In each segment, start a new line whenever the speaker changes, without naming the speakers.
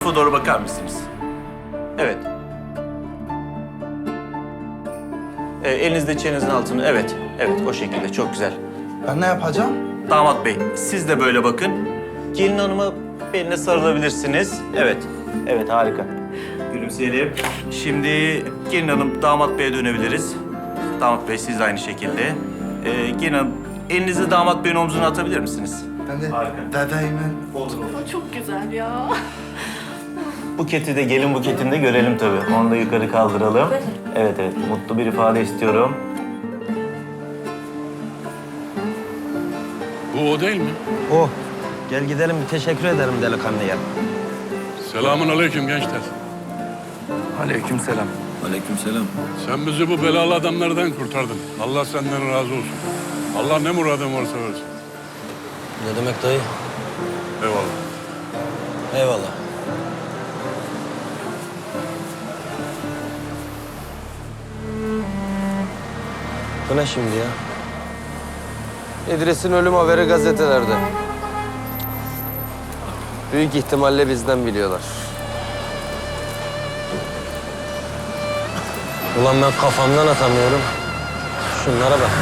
Doğru bakar mısınız? Evet. Elinizde çenenizin altını. Evet. Evet, o şekilde. Çok güzel.
Ben ne yapacağım?
Damat bey, siz de böyle bakın. Gelin hanıma beline sarılabilirsiniz. Evet. Evet, harika. Gülümseyelim. Şimdi gelin hanım, damat beye dönebiliriz. Damat bey, siz de aynı şekilde. Gelin hanım, elinizi damat beyin omzuna atabilir misiniz?
Ben de
Harika.
dedeyime...
Olur.
Çok güzel ya.
Buketi de, gelin buketini de görelim tabii. Onu da yukarı kaldıralım. Evet, evet. Mutlu bir ifade istiyorum.
Bu o değil mi?
O. Gel gidelim bir teşekkür ederim delikanlıya.
Selamun aleyküm gençler.
Aleykümselam.
Aleykümselam.
Sen bizi bu belalı adamlardan kurtardın. Allah senden razı olsun. Allah ne muradın varsa versin.
Ne demek dayı?
Eyvallah.
Eyvallah. Bu ne şimdi ya? İdris'in ölüm haberi gazetelerde. Büyük ihtimalle bizden biliyorlar. Ulan ben kafamdan atamıyorum. Şunlara bak.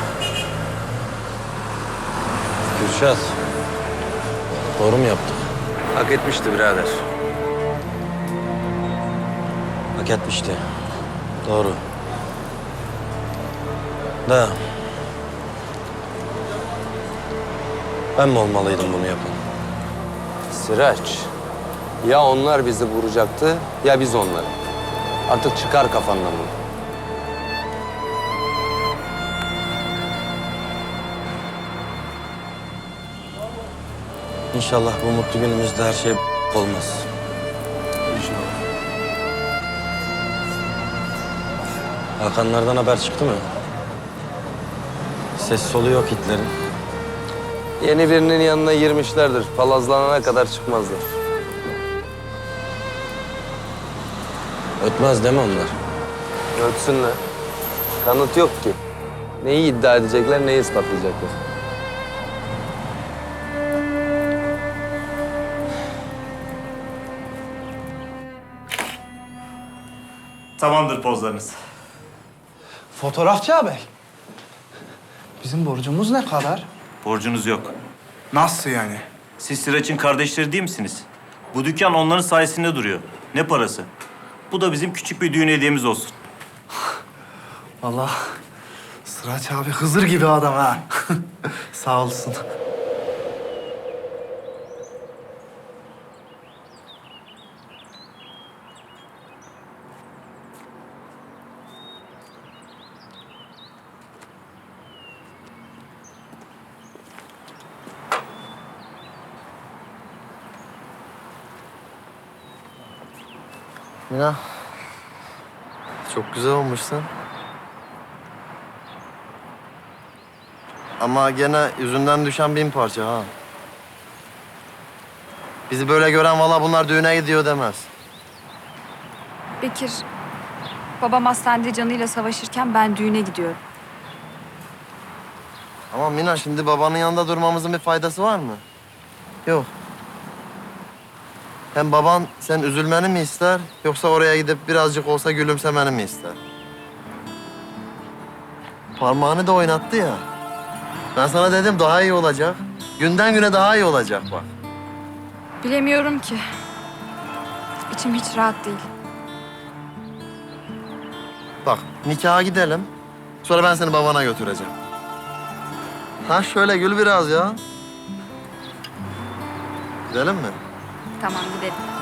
Kürşat. Doğru mu yaptık? Hak etmişti birader. Hak etmişti. Doğru. Da. Ben mi olmalıydım bunu yapan? Sıraç. Ya onlar bizi vuracaktı ya biz onları. Artık çıkar kafandan bunu. İnşallah bu mutlu günümüzde her şey olmaz. İnşallah. Hakanlardan haber çıktı mı? Ses solu yok Hitler'in. Yeni birinin yanına girmişlerdir. Palazlanana kadar çıkmazlar. Ötmez değil mi onlar? Ötsünler. Kanıt yok ki. Neyi iddia edecekler, neyi ispatlayacaklar.
Tamamdır pozlarınız.
Fotoğrafçı abi. Bizim borcumuz ne kadar?
Borcunuz yok.
Nasıl yani?
Siz Sıraç'ın kardeşleri değil misiniz? Bu dükkan onların sayesinde duruyor. Ne parası? Bu da bizim küçük bir düğün hediyemiz olsun.
Vallahi Sıraç abi Hızır gibi adam ha. Sağ olsun.
Mina, çok güzel olmuşsun. Ama gene yüzünden düşen 1000 parça ha. Bizi böyle gören valla bunlar düğüne gidiyor demez.
Bekir, babam hastanede canıyla savaşırken ben düğüne gidiyorum.
Ama Mina şimdi babanın yanında durmamızın bir faydası var mı? Yok. Hem baban sen üzülmeni mi ister yoksa oraya gidip birazcık olsa gülümsemeni mi ister? Parmağını da oynattı ya. Ben sana dedim daha iyi olacak. Günden güne daha iyi olacak bak.
Bilemiyorum ki. İçim hiç rahat değil.
Bak nikaha gidelim. Sonra ben seni babana götüreceğim. Ha şöyle gül biraz ya. Gidelim mi?
Tamam gidelim.